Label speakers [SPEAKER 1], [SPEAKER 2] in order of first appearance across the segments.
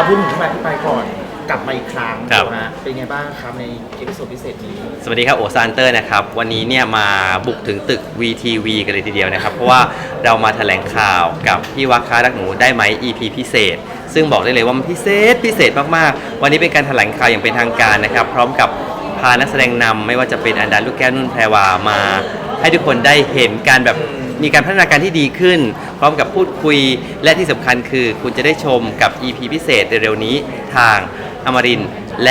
[SPEAKER 1] พูดถึงที่มาที่ไปก่อนกลับมาอีกครั้ง
[SPEAKER 2] ครับ
[SPEAKER 1] นะฮะเป็นไงบ้างครับในเอพิโซดพิเศษนี้
[SPEAKER 2] สวัสดีครับโอซานเตอร์นะครับวันนี้เนี่ยมาบุกถึงตึก VTV กันเลยทีเดียวนะครับเพราะว่าเรามาแถลงข่าวกับพี่วักค้ารักหนูได้ไหม EP พิเศษ ซึ่งบอกได้เลยว่ามันพิเศษมากๆวันนี้เป็นการแถลงข่าวอย่างเป็นทางการนะครับพร้อมกับพานักแสดงนำไม่ว่าจะเป็นอันดาลูกแก้วนุ่นแพรวามาให้ทุกคนได้เห็นการแบบมีการพัฒนาการที่ดีขึ้น พร้อมกับพูดคุยและที่สำคัญคือคุณจะได้ชมกับ EP พิเศษเร็วๆนี้ทางอมรินทร์และ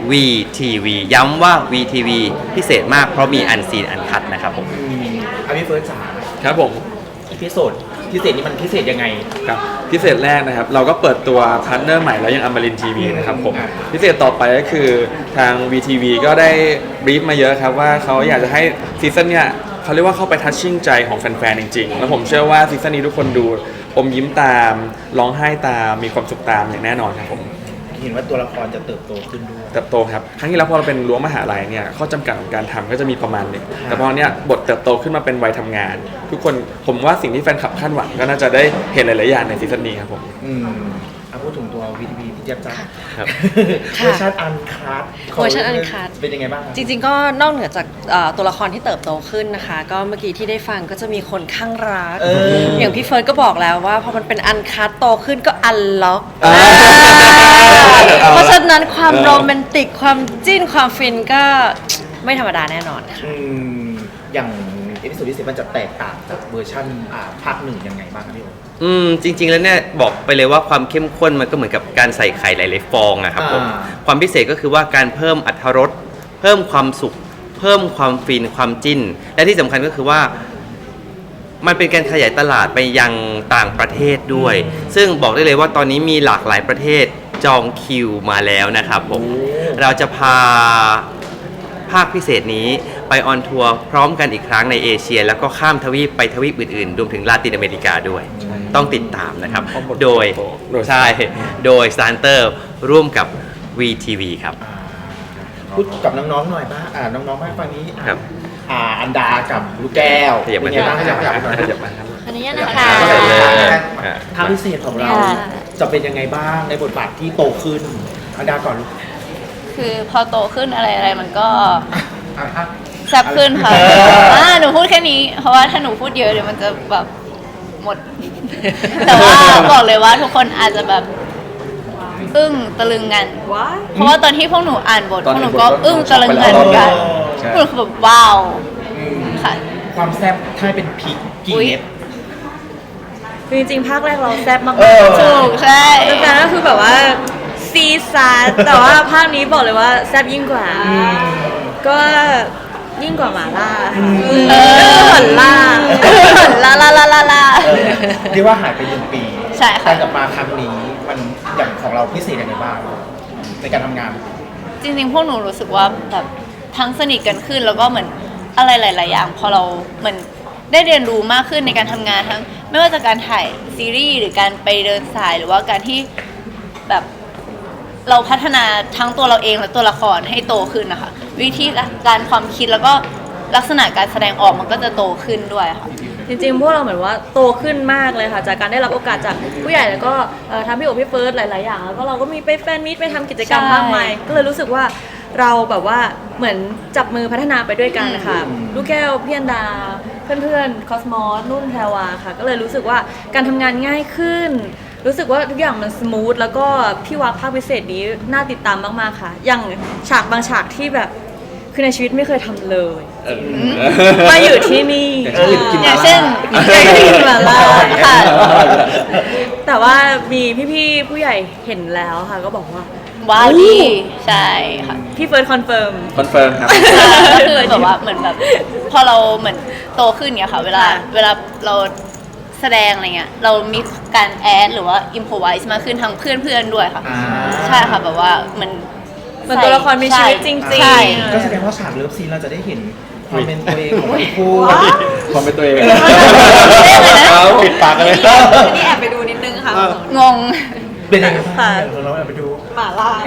[SPEAKER 2] VTV ย้ำว่า VTV พิเศษมากเพราะมีอันซีนอันคัดนะครับผม
[SPEAKER 1] อาพี่เฟิร์สจ๋า
[SPEAKER 3] ครับผม
[SPEAKER 1] อีพิโซดพิเศษนี้มันพิเศษยังไง
[SPEAKER 3] ครับพิเศษแรกนะครับเราก็เปิดตัวพาร์ทเนอร์ใหม่แล้วยังอมรินทีวีนะครับผม
[SPEAKER 1] ครับ
[SPEAKER 3] พิเศษต่อไปก็คือทาง VTV ก็ได้บรีฟมาเยอะครับว่าเขาอยากจะให้ซีซั่นเนี้ยเขาเรียกว่าเข้าไปทัชชิ่งใจของแฟนๆจริงๆแล้วผมเชื่อว่าซีซั่นนี้ทุกคนดูอมยิ้มตามร้องไห้ตามมีความสุขตามอย่างแน่นอนครับผม
[SPEAKER 1] เห็นว่าตัวละครจะเติบโตขึ้นด้วย
[SPEAKER 3] เติบโตครับครั้งที่แล้วพอเราเป็นรั้วมหาลัยเนี่ยข้อจำกัดของการทำก็จะมีประมาณหนึงแต่พอเนี้ยบทเติบโตขึ้นมาเป็นวัยทำงาน ทุกคนผมว่าสิ่งที่แฟนคลับคาดหวังก็น่าจะได้เห็นหลายๆอย่างในซีซั่นนี้ครับผม
[SPEAKER 1] พูดถึงตัว VTV พี่เจี๊ยบจ้า
[SPEAKER 2] ครับ
[SPEAKER 1] เวอร์ชันอันคัท
[SPEAKER 4] เวอร์ชัน uncut
[SPEAKER 1] เป็นยังไงบ้างครับ
[SPEAKER 4] จริงๆก็นอกเหนือจากตัวละครที่เติบโตขึ้นนะคะ ก็เมื่อกี้ที่ได้ฟังก็จะมีคนข้างรัก อย่างพี่เฟิร์สก็บอกแล้วว่าพอมันเป็นอันคัตโตขึ้นก็อันล็อกเพราะฉะนั้นความโรแมนติกความจิ้นความฟินก็ไม่ธรรมดาแน่นอนค่ะ
[SPEAKER 1] อย่างเอพิโซดที่10มันจะแตกต่างจากเวอร์ชันภาคหนึ่งยังไงบ้างครับพี่โอ
[SPEAKER 2] จริงๆแล้วเนี่ยบอกไปเลยว่าความเข้มข้นมันก็เหมือนกับการใส่ไข่หลายๆฟองอะครับผม
[SPEAKER 1] อ่า
[SPEAKER 2] ความพิเศษก็คือว่าการเพิ่มอรรถรสเพิ่มความสุข เพิ่มความฟินความจิ้น และที่สำคัญก็คือว่ามันเป็นการขยายตลาดไปยังต่างประเทศด้วย ซึ่งบอกได้เลยว่าตอนนี้มีหลากหลายประเทศจองคิวมาแล้วนะครับผมเราจะพาภาคพิเศษนี้ไปออนทัวร์พร้อมกันอีกครั้งในเอเชีย แล้วก็ข้ามทวีปไปทวีปอื่นๆรวมถึงลาตินอเมริกาด้วย ต้องติดตามนะครับ โดยใช่โดย Starter ร่วมกับ VTV ครับ
[SPEAKER 1] พูดกับน้องๆหน่อยบ้างน้องๆบ้างฝั่งนี้
[SPEAKER 2] ครับ
[SPEAKER 1] อันดากับลูกแก้ว
[SPEAKER 2] ขยับ
[SPEAKER 1] เป็
[SPEAKER 2] มาน
[SPEAKER 1] ไงบ้างขยับ
[SPEAKER 3] ขยับมาครับ
[SPEAKER 4] อันนี้นะคะ
[SPEAKER 1] ทางพิเศษของเราจะเป็นยังไงบ้างในบทบาทที่โตขึ้นอันดาก่อน
[SPEAKER 5] คือพอโตขึ้นอะไรมันก็แซ่บขึ้นค่ะหนูพูดแค่นี้ เพราะว่าถ้าหนูพูดเยอะเดี๋ยวมันจะแบบหมด แต่ว่าบอกเลยว่าทุกคนอาจจะแบบอึ้งตะลึงกัน เพราะว่าตอนที่พวกหนูอ่านบทพวกหนูก็อึ้งตะลึงกันเหมือนกันพวกหนูแบบว้าวค่ะ
[SPEAKER 1] ความแซ่บถ้าเป็นพริกกี่เม็ด
[SPEAKER 6] จริงๆภาคแรกเราแซ่บมาก
[SPEAKER 5] ถูกใช่
[SPEAKER 6] ๆแต่ก็คือแบบว่าซีซาร์แต่ว่าภาคนี้บอกเลยว่าแซ่บยิ่งกว่า ก็ยิ่งกว่าหมาล่าหอนล่า
[SPEAKER 5] ลาลาลาลาลา
[SPEAKER 1] เรียกว่าหายไป1 ปี
[SPEAKER 5] ใช่ค่ะ
[SPEAKER 1] การกลับมาครั้งนี้มันอย่างของเราพิเศษยังไงบ้างในการทำงาน
[SPEAKER 5] จริงๆพวกหนูรู้สึกว่าแบบทั้งสนิทกันขึ้นแล้วก็เหมือนอะไรหลาย ๆ อย่างพอเราเหมือนได้เรียนรู้มากขึ้นในการทำงานทั้งไม่ว่าจะการถ่ายซีรีส์หรือการไปเดินสายหรือว่าการที่แบบเราพัฒนาทั้งตัวเราเองและตัวละครให้โตขึ้นนะคะวิธีการความคิดแล้วก็ลักษณะการแสดงออกมันก็จะโตขึ้นด้วยค่ะ
[SPEAKER 6] จริงๆพวกเราเหมือนว่าโตขึ้นมากเลยค่ะจากการได้รับโอกาสจากผู้ใหญ่แล้วก็ทำพี่โอพี่เฟิร์สหลายๆอย่างแล้วก็เราก็มีไปแฟนมิตไปทำกิจกรรม
[SPEAKER 5] ใช่
[SPEAKER 6] มากมายก็เลยรู้สึกว่าเราแบบว่าเหมือนจับมือพัฒนาไปด้วยกันนะคะลูกแก้วพี่อันดาเพื่อนๆคอสมอสนุ่นแพรวาค่ะก็เลยรู้สึกว่าการทำงานง่ายขึ้น รู้สึกว่าทุกอย่างมันสมูทแล้วก็พี่วักภาคพิเศษนี้น่าติดตามมากๆค่ะอย่างฉากบางฉากที่แบบคือในชีวิตไม่เคยทำเลยมาอยู่ที่นี่
[SPEAKER 5] อย่างเช่น
[SPEAKER 6] กินหมาล่า
[SPEAKER 5] ค่ะ
[SPEAKER 6] แต่ว่ามีพี่ๆผู้ใหญ่เห็นแล้วค่ะก็บอกว่า
[SPEAKER 5] ว้าวดีใช่ค่ะ
[SPEAKER 6] พี่เฟิร์สคอนเฟิร์ม
[SPEAKER 3] คอนเฟิร์มครับ
[SPEAKER 5] ก็คือแบบว่าเหมือนแบบพอเราเหมือนโตขึ้นเงี้ยค่ะเวลาเราแสดงอะไรเงี้ยเรามีการแอดหรือว่าอิมพอไวส์มากขึ้นทั้งเพื่อนๆด้วยค่ะ ใช่ค่ะแบบว่าเหมือน
[SPEAKER 6] เหมือนตัวละครมีชีวิตจริงๆ
[SPEAKER 5] ใช่
[SPEAKER 1] ก็แสดงว่าฉากเลิฟซีนเราจะได้เห็นความเป็นตัวเองของทั้งคู่
[SPEAKER 3] ความเป็นตัวเอง
[SPEAKER 2] ปิดปากกันเลย
[SPEAKER 6] นี่แอบไปดูนิดนึงค่ะ
[SPEAKER 5] งง
[SPEAKER 1] เป็นยังไงบ้างเราไปดู
[SPEAKER 6] หมาล่า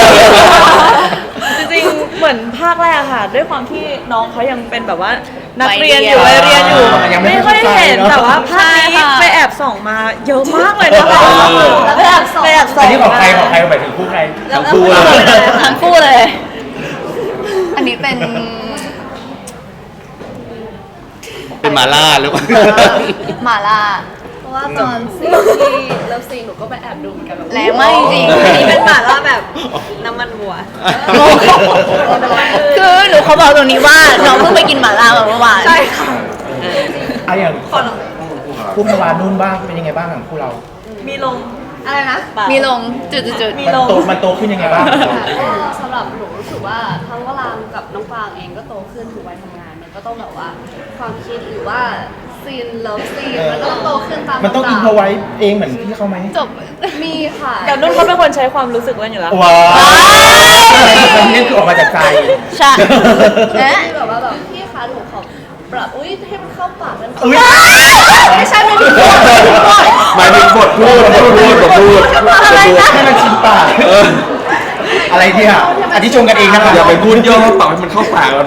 [SPEAKER 6] จริงๆเหมือนภาคแรกค่ะ ด้วยความที่น้องเขายังเป็นแบบว่านักเรียนอยู่
[SPEAKER 5] วั
[SPEAKER 6] วั
[SPEAKER 5] ย
[SPEAKER 6] ย
[SPEAKER 5] เรี
[SPEAKER 6] เรี
[SPEAKER 5] ย
[SPEAKER 6] ย
[SPEAKER 5] น
[SPEAKER 6] นอยู่
[SPEAKER 1] ยังไม่
[SPEAKER 6] ไม่ค่อยเห็น
[SPEAKER 1] เข้าใจเนอะ
[SPEAKER 6] แต่ว่าภาคนี้
[SPEAKER 5] ใช่ค่ะ
[SPEAKER 6] ไปแอบส่องมาเยอะมากเลยนะคะ
[SPEAKER 5] ไปแอบส่อง
[SPEAKER 6] ไปแอบส่
[SPEAKER 1] อั
[SPEAKER 6] อน ง
[SPEAKER 1] นี้ของใครหมายถึงคู่ใคร
[SPEAKER 2] ทั้งคู่เลย
[SPEAKER 5] ทั้งคู่เลย อันนี้เป็น
[SPEAKER 2] เป็นหมาล่าหรือเปล่า
[SPEAKER 5] หมาล่า
[SPEAKER 6] เพราะว่าตอนซีนที่เลิฟซีนหนูก็ไปแอบดูเหมือนกันแบบ
[SPEAKER 5] แรงมากจริง
[SPEAKER 6] อันนี้เป็นหม่าล่าแบบน้ำมันวัว
[SPEAKER 5] ๆคือหนูเขาบอกตรงนี้ว่าน้องเพิ่งไปกินหมาล่ามาเมื่อวาน
[SPEAKER 6] ใช่ค่ะ
[SPEAKER 1] อะอย่างคู่พวานุ่นบ้างเป็นยังไงบ้างของคู่เรา
[SPEAKER 6] มีลงอะไรนะ
[SPEAKER 5] มีลงจุดๆ
[SPEAKER 1] มันโตขึ้นยังไงบ้าง
[SPEAKER 7] ก็สำหรับหนูรู้สึกว่าทั้งวรางกับน้องฟางเองก็โตขึ้นถึงวัยทำงานมันก็ต้องแบบว่าความคิดหรือว่าซีนเลิฟซีนมันก็ต้องโตขึ้นตาม
[SPEAKER 1] มันต้องอินพอไว้เองเหมือนพี่เขาไหม
[SPEAKER 5] จบ
[SPEAKER 7] มีค่ะ
[SPEAKER 6] แต่นุ่นเขาเป็นคนใช้ความรู้สึกเล่นอยู่แล้ว
[SPEAKER 1] ว้าวนี่คือออกมาจากใจ
[SPEAKER 5] ใช่
[SPEAKER 7] ที่แบบว่าแบบพี่คะหนูขอปรับอุ้ยให้มันเข้าปากนั้น
[SPEAKER 1] อุ๊ย
[SPEAKER 7] ไม่ใช่ไม่ถูก
[SPEAKER 3] หมายถึงบทพูด
[SPEAKER 1] ให้มันชินปากอะไรเนี่ยอันนี้ชมกันเองนะครับ
[SPEAKER 3] อย่าไปพูดย่อปากให้มันเข้าปากเรา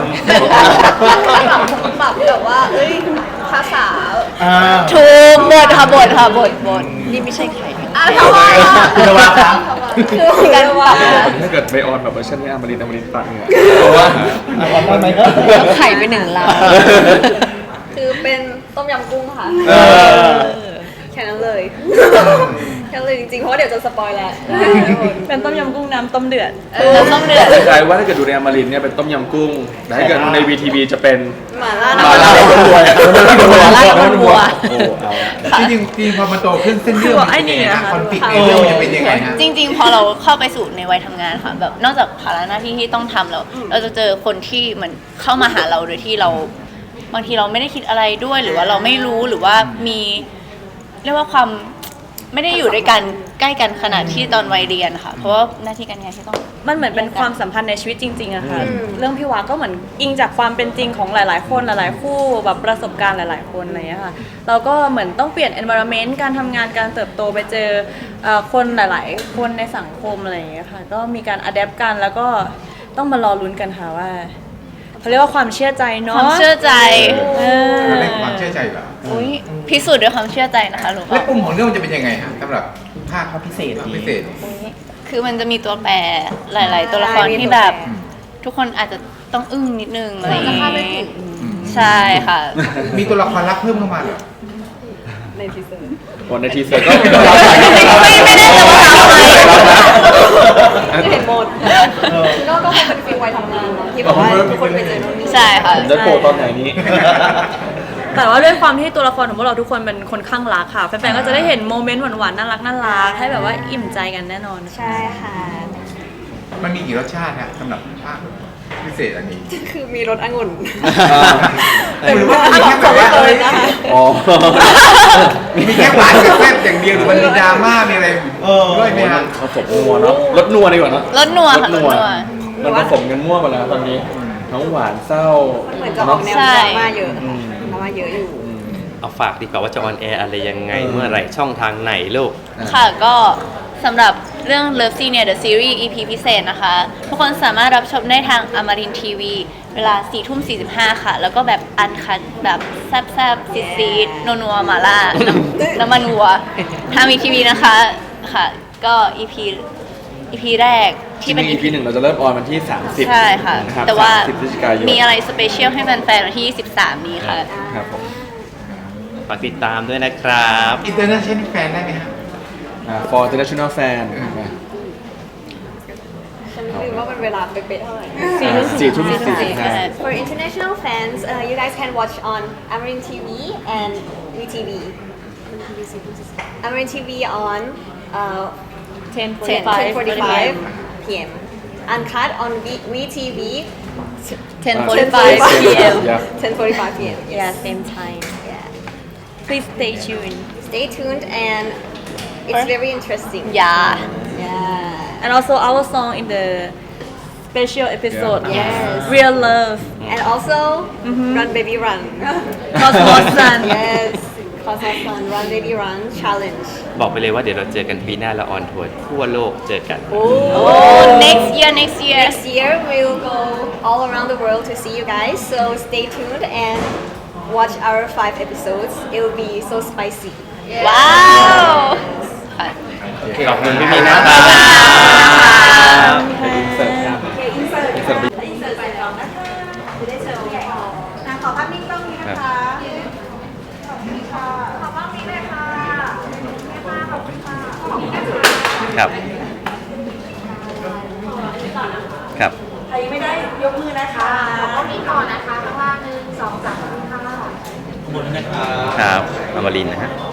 [SPEAKER 7] ปรับแบบว่าเอ้ยภาษา
[SPEAKER 1] อ่า
[SPEAKER 5] ถูกบทค่ะบทนี่ไม่ใช่ใคร
[SPEAKER 7] ทำไมอ่ะ
[SPEAKER 1] คุณระวังครับ
[SPEAKER 7] คือการปรับ
[SPEAKER 3] ถ้าเกิดไปออนแบบเวอร์ชันนี้อมรินทร์ตัดเนี่ยเพราะว่า
[SPEAKER 1] เอาได้ไหมครับ
[SPEAKER 5] ต้องไข่ไป1 ล้าน
[SPEAKER 7] คือเป็นต้มยำกุ้งค่ะ
[SPEAKER 1] เออ
[SPEAKER 7] แค่นั้นเลยแค่นั้นเลยจริงๆเพราะว่าเดี๋ยวจะสปอยแล้ว
[SPEAKER 6] เป็นต้มยำกุ้งน้ำต้มเดือด
[SPEAKER 5] น้ำส้มเดือด
[SPEAKER 3] คล้ายๆว่าถ้าเกิดดูในอมรินทร์เนี่ยเป็นต้มยำกุ้งแต่ถ้าเกิดดูใน VTV จะเป็น
[SPEAKER 7] หมาล่า
[SPEAKER 3] หมาล่าต้มวัว
[SPEAKER 5] หม่าล่าต้มวัว
[SPEAKER 3] โอ้เอา
[SPEAKER 8] จริงๆพอมันโตขึ้นเส้นเรื่องมันเป็นยังไงนะคอนฟ lict ในเรื่องมันจะเป็นยังไงฮะ
[SPEAKER 5] จริงๆ พอเราเข้าไปสู่ในวัยทำงานค่ะแบบนอกจากภาระหน้าที่ที่ต้องทำแล้วเราจะเจอคนที่เหมือนเข้ามาหาเราโดยที่เราบางทีเราไม่ได้คิดอะไรด้วยหรือว่าเราไม่รู้หรือว่ามีเรียกว่าความไม่ได้อยู่ด้วยกันใกล้กันขนาดที่ตอนวัยเรียนค่ะเพราะว่าหน้าที่การงานที่ต้อง
[SPEAKER 6] มันเหมือนเป็นความสัมพันธ์ในชีวิตจริงๆอะค่ะ เรื่องพี่วาก็เหมือนอิงจากความเป็นจริงของหลายๆคนหลายๆคู่แบบประสบการณ์หลายๆคนอะไรอย่างเงี้ยค่ะ เราก็เหมือนต้องเปลี่ยน environment การทำงานการเติบโตไปเจอคนหลายๆ คนในสังคมอะไรอย่างเงี้ยค่ะ ก็มีการ adapt กันแล้วก็ต้องมารอลุ้นกันค่ะว่าเขาเรียกว่าความเชื่อใจ
[SPEAKER 5] ค
[SPEAKER 6] เนาะ
[SPEAKER 5] วามเชื่อใจ
[SPEAKER 6] เออ
[SPEAKER 8] มันเป็นความเชื่อใจเหรอ
[SPEAKER 5] อุ้ยพิสูจน์ด้วยความเชื่อใจนะคะหนู
[SPEAKER 8] แล้วปุ่มของเรื่องมันจะเป็นยังไงฮะสำหรับ
[SPEAKER 1] ภาคพิเศษ
[SPEAKER 8] ภาคพิเศษ
[SPEAKER 5] คือมันจะมีตัวแปรหลาย ๆ ตัวละครที่แบบ ทุกคนอาจจะต้องอึ้งนิดนึงอะไรอย่าง
[SPEAKER 7] จะคาดไม่
[SPEAKER 5] งี้
[SPEAKER 7] ถึง
[SPEAKER 5] ใช่ค่ะ
[SPEAKER 8] มีตัวละครลับเพิ่มเข้ามาเหรอ
[SPEAKER 7] ในทีเซอร์
[SPEAKER 3] วันในทีเซอร์ก็
[SPEAKER 5] ไม่ได้แต่ว่าทำไม
[SPEAKER 7] เห็นหมดก็คงเป็นฟีลวัยทำงานเนาะที่แบบว่าทุกคนไปเจอโน่นนี่
[SPEAKER 5] ใช่ค่ะ
[SPEAKER 3] ผมจะโผล่ตอนไหนนี้
[SPEAKER 6] แต่ว่าด้วยความที่ตัวละครของพวกเราทุกคนเป็นคนข้างรักค่ะแฟนๆก็จะได้เห็นโมเมนต์หวานๆน่ารักให้แบบว่าอิ่มใจกันแน่นอน
[SPEAKER 7] ใช่ค่ะ
[SPEAKER 8] มันมีกี่รสชาติฮะสำหรับภาคพิเศษอันนี้
[SPEAKER 7] คือมีรสองุ่น
[SPEAKER 8] หรือว่ามีแค่แบบว่า
[SPEAKER 3] อ๋อ
[SPEAKER 8] มีแค่หวานกับแซ่บอย่างเดียวหรือมันมีดราม่ามีอะไรด้วยไหมฮะ
[SPEAKER 3] ผสมนัวเนาะรสนัวดีกว่าเนาะ
[SPEAKER 5] รสนัวค่ะรสนัว
[SPEAKER 3] มันผสมกันมั่วไปแล้วตอนนี้ทั้งหวานเศร้า
[SPEAKER 7] เหมือนจะออกแนวดราม่าเยอะค่ะดราม่าเยอะอยู่
[SPEAKER 2] เอาฝากดีกว่าว่าจะออนแอร์อะไรยังไงเมื่อไหร่ช่องทางไหนลูก
[SPEAKER 5] ค่ะก็สำหรับเรื่อง Love Scene เนี่ย The Series EP พิเศษนะคะ ทุกคนสามารถรับชมได้ทางอมรินทีวีเวลา 4:45 ค่ะ แล้วก็แบบอันคัดแบบแซ่บๆซีดๆนัวๆหมาล่า น้ำมันวัวทางวีทีวีนะคะค่ะ ก็ EP แรกที่เป็น
[SPEAKER 3] EP หนึ่งเราจะเริ่มออนวันที่ 30
[SPEAKER 5] ใช่ค่ะ
[SPEAKER 3] นะครับ
[SPEAKER 5] แต่ว่า
[SPEAKER 3] 30พฤศจิกายน
[SPEAKER 5] มีอะไรสเปเชียลให้แฟนๆวันที่ 23 นี้ค่ะ
[SPEAKER 3] ครับผม
[SPEAKER 2] ฝากติดตามด้วยนะครับ
[SPEAKER 8] อินเตอร์เนชั่นแฟนได้ไหมฮะ
[SPEAKER 3] for international fan
[SPEAKER 7] ฉันลืมว่ามันเวลาเป๊ะๆเท่าไหร่
[SPEAKER 3] 4:45
[SPEAKER 7] For international fans, you guys can watch on Amarin TV and VTV. Amarin TV on 10:45 p.m. Uncut on VTV
[SPEAKER 5] 10:45 p.m.
[SPEAKER 3] Yeah.
[SPEAKER 7] 10:45 p.m.
[SPEAKER 6] Yeah same time
[SPEAKER 7] Yeah.
[SPEAKER 6] please stay tuned
[SPEAKER 7] Stay tuned and it's very interesting.
[SPEAKER 5] Yeah.
[SPEAKER 7] Yeah.
[SPEAKER 6] and also our song in the special episode
[SPEAKER 7] Yes.
[SPEAKER 6] Real Love
[SPEAKER 7] And also Run Baby Run.
[SPEAKER 6] Cosmos Sun
[SPEAKER 7] Yes. Cosmos Sun Run Baby Run Challenge.
[SPEAKER 2] บอกไปเลยว่าเดี๋ยวเราเจอกันปีหน้าเราออนทัวร์ทั่วโลกเจอกัน
[SPEAKER 5] Oh, next year.
[SPEAKER 7] Next year we'll go all around the world to see you guys. So stay tuned and watch our 5 episodes. It will be so spicy.
[SPEAKER 5] ว้าวค่ะ
[SPEAKER 2] ขอบคุณพี่มีนะครับ
[SPEAKER 3] เสิร์ฟครับเสิร์ฟ
[SPEAKER 9] ขอภาพนิ่งกล้องนี้นะคะ ขอบคุณค่ะ ขอภาพนี้เลยค่ะขอบคุณค่ะ ขอบคุณค่ะ
[SPEAKER 2] ครับ ครับ
[SPEAKER 9] ใครไม่ได้ยกมือนะคะ ขอภาพนี้ก่อนนะคะข้างล่าง1 2 3ค่ะ
[SPEAKER 1] ขอบคุณนะครับ
[SPEAKER 2] ครับอมรินทร์นะฮะ